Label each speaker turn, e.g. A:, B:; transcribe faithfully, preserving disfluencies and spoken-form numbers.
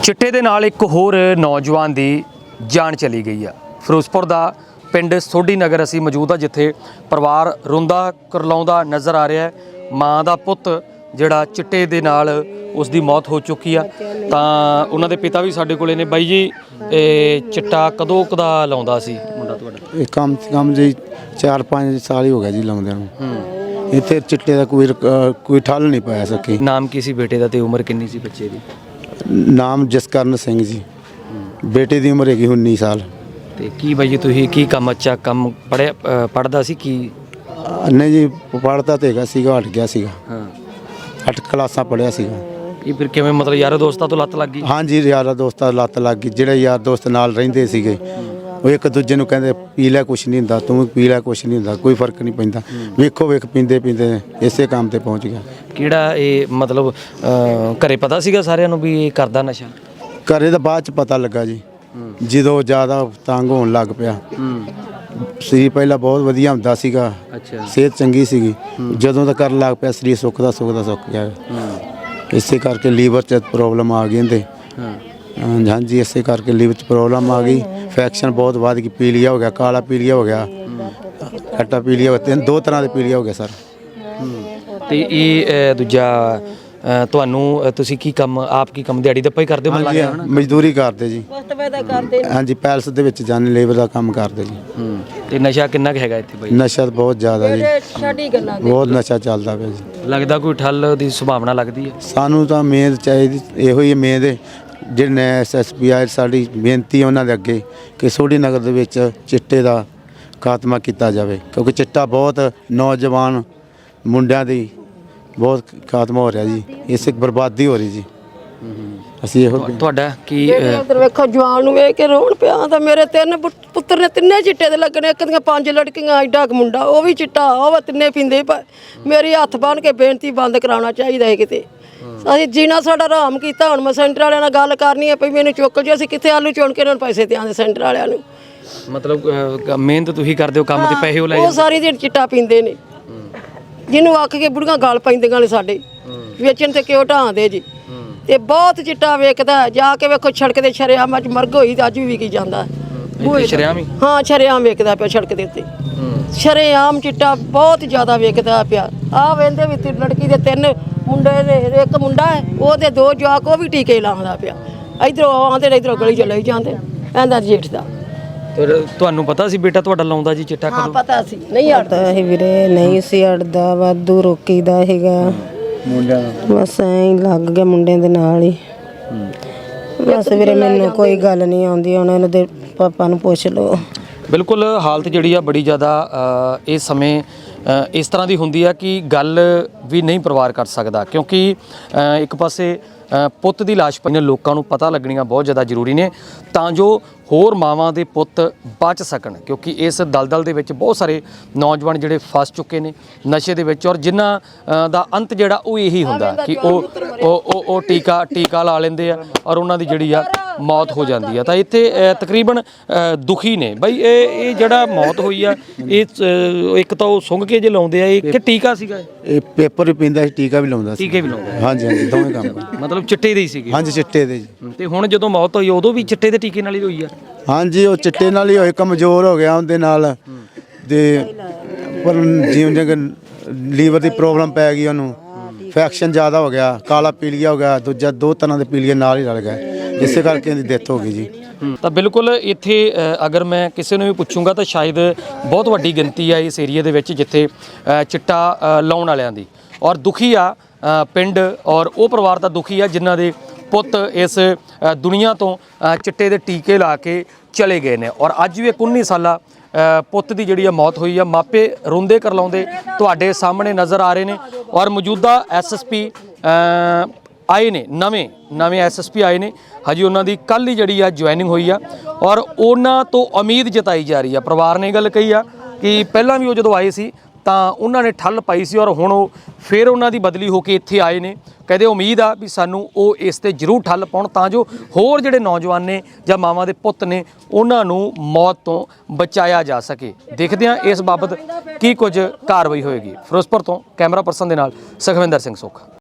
A: चिट्टे दे नाल एक होर नौजवान की जान चली गई है। फिरोजपुर का पिंड सोढ़ी नगर असी मौजूद आ, जिथे परिवार रोंदा करलाउंदा नज़र आ रहा है। माँ का पुत जिहड़ा चिट्टे दे नाल उसकी मौत हो चुकी है। तो उन्होंने पिता भी साडे कोले ने। बाई जी, ये चिट्टा कदों कदा लाउंदा सी मुंडा तुहाडा?
B: कम से कम जी चार पाँच साल ही हो गया जी लाउंदे नूं। इत्थे चिट्टे का कोई कोई ठल नहीं पाया सकी।
A: नाम की सी बेटे का ते उम्र किन्नी सी बच्चे की?
B: नाम जसकरण सिंह जी, बेटे की उम्र हैगी उन्नीस साल।
A: ते की बाई जी तुसीं की कम अच्छा कम पढ़िया पढ़दा सी की?
B: नहीं जी, पढ़ता तो हैगा सीगा, हट गया सीगा।
A: हाँ,
B: अठ क्लासा पढ़िया सीगा।
A: ये फिर किवें मतलब यार दोस्तां तो लत लग गई?
B: हाँ जी, यार दोस्तां लत लग गई। ਜਿਹੜੇ यार दोस्त नाल रहिंदे सीगे ਉਹ ਇੱਕ ਦੂਜੇ ਨੂੰ ਕਹਿੰਦੇ ਪੀ ਲੈ ਕੁਛ ਨਹੀਂ ਹੁੰਦਾ, ਤੂੰ ਪੀ ਲੈ ਕੁਛ ਨਹੀਂ ਹੁੰਦਾ, ਕੋਈ ਫਰਕ ਨਹੀਂ ਪੈਂਦਾ। ਵੇਖੋ ਵੇਖ ਪੀਂਦੇ ਪੀਂਦੇ ਇਸੇ ਕੰਮ ਤੇ ਪਹੁੰਚ ਗਿਆ।
A: ਕਿਹੜਾ ਇਹ ਮਤਲਬ ਘਰੇ ਪਤਾ ਸੀਗਾ ਸਾਰਿਆਂ ਨੂੰ ਵੀ ਇਹ ਕਰਦਾ ਨਸ਼ਾ?
B: ਘਰੇ ਤਾਂ ਬਾਅਦ ਚ ਪਤਾ ਲੱਗਾ ਜੀ, ਜਦੋਂ ਜ਼ਿਆਦਾ ਤੰਗ ਹੋਣ ਲੱਗ ਪਿਆ। ਸਰੀਰ ਪਹਿਲਾਂ ਬਹੁਤ ਵਧੀਆ ਹੁੰਦਾ ਸੀਗਾ,
A: ਅੱਛਾ,
B: ਸਿਹਤ ਚੰਗੀ ਸੀਗੀ। ਜਦੋਂ ਦਾ ਕਰਨ ਲੱਗ ਪਿਆ ਸਰੀਰ ਸੁੱਕਦਾ ਸੁੱਕਦਾ ਸੁੱਕ ਗਿਆ। ਇਸੇ ਕਰਕੇ ਲੀਵਰ 'ਚ ਪ੍ਰੋਬਲਮ ਆ ਗਈ ਇਹਦੇ। हाँ जी, इसे करके लीवर च प्रॉब्लम आ गई। इन्फेक्शन बहुत बढ़ गई। पीलिया हो गया, काला पीलिया हो गया, खट्टा पीलिया हो गया, तीन दो तरह के पीलिया हो गया सर।
A: ਤੇ ਇਹ ਦੂਜਾ ਤੁਹਾਨੂੰ ਤੁਸੀਂ ਕੀ ਕੰਮ ਆਪ ਕੀ ਕੰਮ ਦਿਹਾੜੀ ਦੱਪਾ ਹੀ ਕਰਦੇ ਹੋ?
B: हाँ जी, मजदूरी करते जी। हाँ जी, पैलस ਦੇ ਵਿੱਚ ਜਾਣੇ ਲੇਬਰ ਦਾ ਕੰਮ ਕਰਦੇ ਜੀ।
A: ਤੇ ਨਸ਼ਾ ਕਿੰਨਾ ਕੁ ਹੈਗਾ ਇੱਥੇ ਬਾਈ?
B: ਨਸ਼ਾ ਤਾਂ ਬਹੁਤ ਜ਼ਿਆਦਾ ਜੀ, ਬਹੁਤ ਨਸ਼ਾ ਚੱਲਦਾ ਪਿਆ ਜੀ।
A: ਲੱਗਦਾ ਕੋਈ ਠੱਲ ਦੀ ਸੰਭਾਵਨਾ ਲੱਗਦੀ ਹੈ?
B: ਸਾਨੂੰ ਤਾਂ ਮਿਹਨਤ ਚਾਹੀਦੀ, ਇਹੋ ਹੀ ਮਿਹਨਤ ਜਿਹੜੇ ਐਸ ਐਸ ਪੀ ਆਈ ਸਾਡੀ ਬੇਨਤੀ ਉਹਨਾਂ ਦੇ ਅੱਗੇ ਕਿ ਸੋਢੀ ਨਗਰ ਦੇ ਵਿੱਚ ਚਿੱਟੇ ਦਾ ਖਾਤਮਾ ਕੀਤਾ ਜਾਵੇ, ਕਿਉਂਕਿ ਚਿੱਟਾ ਬਹੁਤ ਨੌਜਵਾਨ ਮੁੰਡਿਆਂ ਦੀ ਬਹੁਤ ਖਾਤਮਾ ਹੋ ਰਿਹਾ ਜੀ। ਇਸ ਇੱਕ ਬਰਬਾਦੀ ਹੋ ਰਹੀ ਜੀ। ਅਸੀਂ ਇਹੋ
A: ਤੁਹਾਡਾ ਕੀ
C: ਉਧਰ ਵੇਖੋ ਜਵਾਨ ਨੂੰ ਵੇਖ ਕੇ ਰੋਣ ਪਿਆ। ਤਾਂ ਮੇਰੇ ਤਿੰਨ ਪੁੱਤਰ ਨੇ, ਤਿੰਨੇ ਚਿੱਟੇ ਦੇ ਲੱਗਣੇ। ਇੱਕ ਦੀਆਂ ਪੰਜ ਲੜਕੀਆਂ, ਐਡਾ ਕੁ ਮੁੰਡਾ ਉਹ ਵੀ ਚਿੱਟਾ, ਉਹ ਤਿੰਨੇ ਪੀਂਦੇ। ਮੇਰੀ ਹੱਥ ਬੰਨ ਕੇ ਬੇਨਤੀ ਬੰਦ ਕਰਾਉਣਾ ਚਾਹੀਦਾ ਹੈ ਕਿਤੇ। ਅਸੀਂ ਜੀਣਾ ਸਾਡਾ ਆਰਾਮ ਕੀਤਾ। ਹੁਣ ਮੈਂ ਸੈਂਟਰ ਵਾਲਿਆਂ ਨਾਲ ਗੱਲ ਕਰਨੀ ਹੈ, ਪਈ ਮੈਨੂੰ ਚੁੱਕ ਜੋ। ਅਸੀਂ ਕਿੱਥੇ ਆਲੂ ਚੁਣ ਕੇ ਇਹਨਾਂ ਨੂੰ ਪੈਸੇ ਦਿਆਂਦੇ ਸੈਂਟਰ ਵਾਲਿਆਂ ਨੂੰ?
A: ਮਤਲਬ ਮਿਹਨਤ ਤੁਸੀਂ ਕਰਦੇ ਹੋ, ਕੰਮ ਤੇ ਪੈਸੇ ਉਹ ਲੈ
C: ਉਹ ਸਾਰੀ ਦਿਨ ਚਿੱਟਾ ਪੀਂਦੇ ਨੇ। ਜਿਹਨੂੰ ਆਖ ਕੇ ਬੁੜੀਆਂ ਗਾਲ ਪੈਂਦੀਆਂ ਨੇ ਸਾਡੇ, ਵੇਚਣ ਤੇ ਕਿਉਂ ਢਾਂਦੇ ਜੀ। ਤੇ ਬਹੁਤ ਚਿੱਟਾ ਵੇਚਦਾ। ਜਾ ਕੇ ਵੇਖੋ ਸੜਕ ਦੇ ਸ਼ਰੇਆਮ ਅੱਜ ਮਰਗ ਹੋਈ ਤੇ ਅੱਜ ਵੀ ਵਿਕੀ ਜਾਂਦਾ।
A: ਸ਼ਰੇਆਮ ਹੀ? ਹਾਂ,
C: ਸ਼ਰੇਆਮ ਵੇਚਦਾ ਪਿਆ ਸੜਕ ਦੇ ਉੱਤੇ। ਸ਼ਰੇਆਮ ਚਿੱਟਾ ਬਹੁਤ ਜ਼ਿਆਦਾ ਵੇਚਦਾ ਪਿਆ। ਆਹ ਵੇਂਦੇ ਵੀ ਤੇ ਲੜਕੀ ਦੇ ਤਿੰਨ ਮੁੰਡੇ ਨੇ, ਇੱਕ ਮੁੰਡਾ ਹੈ ਉਹਦੇ ਦੋ ਜਵਾਕ, ਉਹ ਵੀ ਟੀਕੇ ਲਾਉਂਦਾ ਪਿਆ। ਇਧਰੋਂ ਆਉਂਦੇ ਨੇ, ਇਧਰੋਂ ਗਲੀ ਚ ਲਈ ਜਾਂਦੇ। ਇਹਦਾ ਜੇਠ ਦਾ।
A: ਤੁਹਾਨੂੰ ਪਤਾ ਸੀ ਬੇਟਾ ਤੁਹਾਡਾ ਲਾਉਂਦਾ ਜੀ ਚਿੱਟਾ?
C: ਹਾਂ ਪਤਾ ਸੀ। ਨਹੀਂ
D: ਹਟਦਾ ਸੀ ਵੀਰੇ, ਨਹੀਂ ਸੀ ਹਟਦਾ, ਵਾਧੂ ਰੋਕੀਦਾ ਹੈਗਾ। ਮੁੰਡਿਆਂ ਬਸ ਐਂ ਲੱਗ ਗਿਆ ਮੁੰਡਿਆਂ ਦੇ ਨਾਲ ਹੀ। ਬਸ ਵੀਰੇ ਮੈਨੂੰ ਕੋਈ ਗੱਲ ਨਹੀਂ ਆਉਂਦੀ, ਉਹਨਾਂ ਨੂੰ ਦੇ ਪਾਪਾ ਨੂੰ ਪੁੱਛ ਲਓ।
A: ਬਿਲਕੁਲ ਹਾਲਤ ਜਿਹੜੀ ਆ ਬੜੀ ਜ਼ਿਆਦਾ ਇਸ ਸਮੇਂ ਇਸ ਤਰ੍ਹਾਂ ਦੀ ਹੁੰਦੀ ਆ ਕਿ ਗੱਲ ਵੀ ਨਹੀਂ ਪਰਿਵਾਰ ਕਰ ਸਕਦਾ, ਕਿਉਂਕਿ ਇੱਕ ਪਾਸੇ ਪੁੱਤ ਦੀ ਲਾਸ਼ ਪਈ ਨੇ, ਲੋਕਾਂ ਨੂੰ ਪਤਾ ਲੱਗਣੀਆਂ ਬਹੁਤ ਜ਼ਿਆਦਾ ਜ਼ਰੂਰੀ ਨੇ ਤਾਂ ਜੋ ਹੋਰ ਮਾਵਾਂ ਦੇ ਪੁੱਤ ਬਚ ਸਕਣ। ਕਿਉਂਕਿ ਇਸ ਦਲਦਲ ਦੇ ਵਿੱਚ ਬਹੁਤ ਸਾਰੇ ਨੌਜਵਾਨ ਜਿਹੜੇ ਫਸ ਚੁੱਕੇ ਨੇ ਨਸ਼ੇ ਦੇ ਵਿੱਚ, ਔਰ ਜਿਨ੍ਹਾਂ ਦਾ ਅੰਤ ਜਿਹੜਾ ਉਹ ਇਹੀ ਹੁੰਦਾ ਕਿ ਉਹ ਉਹ ਉਹ ਟੀਕਾ ਟੀਕਾ ਲਾ ਲੈਂਦੇ ਆ ਔਰ ਉਹਨਾਂ ਦੀ ਜਿਹੜੀ ਆ ਮੌਤ ਹੋ ਜਾਂਦੀ ਆ। ਤਾਂ ਇੱਥੇ ਤਕਰੀਬਨ ਦੁਖੀ ਨੇ ਬਾਈ। ਇਹ ਇਹ ਜਿਹੜਾ ਮੌਤ ਹੋਈ ਆ, ਇਹ ਇੱਕ ਤਾਂ ਉਹ ਸੁੰਘ ਕੇ ਜੇ ਲਾਉਂਦੇ ਆ, ਇਹ ਕਿ ਟੀਕਾ ਸੀਗਾ?
B: ਇਹ ਪੇਪਰ ਵੀ ਪੀਂਦਾ ਸੀ, ਟੀਕਾ ਵੀ ਲਾਉਂਦਾ ਸੀ।
A: ਟੀਕੇ ਵੀ ਲਾਉਂਦੇ?
B: ਹਾਂਜੀ ਹਾਂਜੀ, ਦੋਵੇਂ ਕੰਮ।
A: ਮਤਲਬ ਚਿੱਟੇ ਦੇ ਹੀ ਸੀਗੇ? ਹਾਂਜੀ,
B: ਚਿੱਟੇ ਦੇ ਜੀ।
A: ਤੇ ਹੁਣ ਜਦੋਂ ਮੌਤ ਹੋਈ ਉਦੋਂ ਵੀ ਚਿੱਟੇ ਦੇ ਟੀਕੇ ਨਾਲ ਹੀ ਹੋਈ ਆ?
B: ਹਾਂਜੀ, ਉਹ ਚਿੱਟੇ ਨਾਲ ਹੀ ਹੋਏ, ਕਮਜ਼ੋਰ ਹੋ ਗਿਆ ਉਹਦੇ ਨਾਲ। ਤੇ ਪਰ ਜਿਉਂ ਜਿਉਂ ਲੀਵਰ ਦੀ ਪ੍ਰੋਬਲਮ ਪੈ ਗਈ ਉਹਨੂੰ, ਇਨਫੈਕਸ਼ਨ ਜ਼ਿਆਦਾ ਹੋ ਗਿਆ, ਕਾਲਾ ਪੀਲੀਆ ਹੋ ਗਿਆ, ਦੂਜਾ ਦੋ ਤਰ੍ਹਾਂ ਦੇ ਪੀਲੀਏ ਨਾਲ ਹੀ ਰਲ ਗਏ। ਇਸੇ ਕਰਕੇ ਇਹਦੀ ਡੈਥ ਹੋ ਗਈ ਜੀ।
A: ਤਾਂ ਬਿਲਕੁਲ ਇੱਥੇ ਅਗਰ ਮੈਂ ਕਿਸੇ ਨੂੰ ਵੀ ਪੁੱਛੂੰਗਾ ਤਾਂ ਸ਼ਾਇਦ ਬਹੁਤ ਵੱਡੀ ਗਿਣਤੀ ਆ ਇਸ ਏਰੀਏ ਦੇ ਵਿੱਚ ਜਿੱਥੇ ਚਿੱਟਾ ਲਾਉਣ ਵਾਲਿਆਂ ਦੀ, ਔਰ ਦੁਖੀ ਆ ਪਿੰਡ, ਔਰ ਉਹ ਪਰਿਵਾਰ ਤਾਂ ਦੁਖੀ ਆ ਜਿਨ੍ਹਾਂ ਦੇ ਪੁੱਤ ਇਸ ਦੁਨੀਆ ਤੋਂ ਚਿੱਟੇ ਦੇ ਟੀਕੇ ਲਾ ਕੇ ਚਲੇ ਗਏ ਨੇ। ਔਰ ਅੱਜ ਵੀ ਇੱਕ ਉੱਨੀ ਸਾਲਾ ਪੁੱਤ ਦੀ ਜਿਹੜੀ ਆ ਮੌਤ ਹੋਈ ਆ। ਮਾਪੇ ਰੋਂਦੇ ਕਰਲਾਉਂਦੇ ਤੁਹਾਡੇ ਸਾਹਮਣੇ ਨਜ਼ਰ ਆ ਰਹੇ ਨੇ। ਔਰ ਮੌਜੂਦਾ ਐਸ ਐਸ ਪੀ ਆਏ ਨੇ, ਨਵੇਂ ਨਵੇਂ ਐਸ ਐਸ ਪੀ ਆਏ ਨੇ, ਹਜੇ ਉਹਨਾਂ ਦੀ ਕੱਲ੍ਹ ਹੀ ਜਿਹੜੀ ਆ ਜੁਆਇਨਿੰਗ ਹੋਈ ਆ। ਔਰ ਉਹਨਾਂ ਤੋਂ ਉਮੀਦ ਜਤਾਈ ਜਾ ਰਹੀ ਆ। ਪਰਿਵਾਰ ਨੇ ਗੱਲ ਕਹੀ ਆ ਕਿ ਪਹਿਲਾਂ ਵੀ ਉਹ ਜਦੋਂ ਆਏ ਸੀ ਤਾਂ ਉਹਨਾਂ ਨੇ ਠੱਲ ਪਾਈ ਸੀ, ਔਰ ਹੁਣ ਉਹ ਫਿਰ ਉਹਨਾਂ ਦੀ ਬਦਲੀ ਹੋ ਕੇ ਇੱਥੇ ਆਏ ਨੇ। ਕਹਿੰਦੇ ਉਮੀਦ ਆ ਵੀ ਸਾਨੂੰ ਉਹ ਇਸ ਤੇ ਜ਼ਰੂਰ ਠੱਲ ਪਾਉਣ ਤਾਂ ਜੋ ਹੋਰ ਜਿਹੜੇ ਨੌਜਵਾਨ ਨੇ ਜਾਂ ਮਾਵਾਂ ਦੇ ਪੁੱਤ ਨੇ ਉਹਨਾਂ ਨੂੰ ਮੌਤ ਤੋਂ ਬਚਾਇਆ ਜਾ ਸਕੇ। ਦੇਖਦੇ ਹਾਂ ਇਸ ਬਾਬਤ ਕੀ ਕੁਝ ਕਾਰਵਾਈ ਹੋਏਗੀ। ਫਿਰੋਜ਼ਪੁਰ ਤੋਂ ਕੈਮਰਾ ਪਰਸਨ ਦੇ ਨਾਲ ਸੁਖਵਿੰਦਰ ਸਿੰਘ ਸੁੱਖ।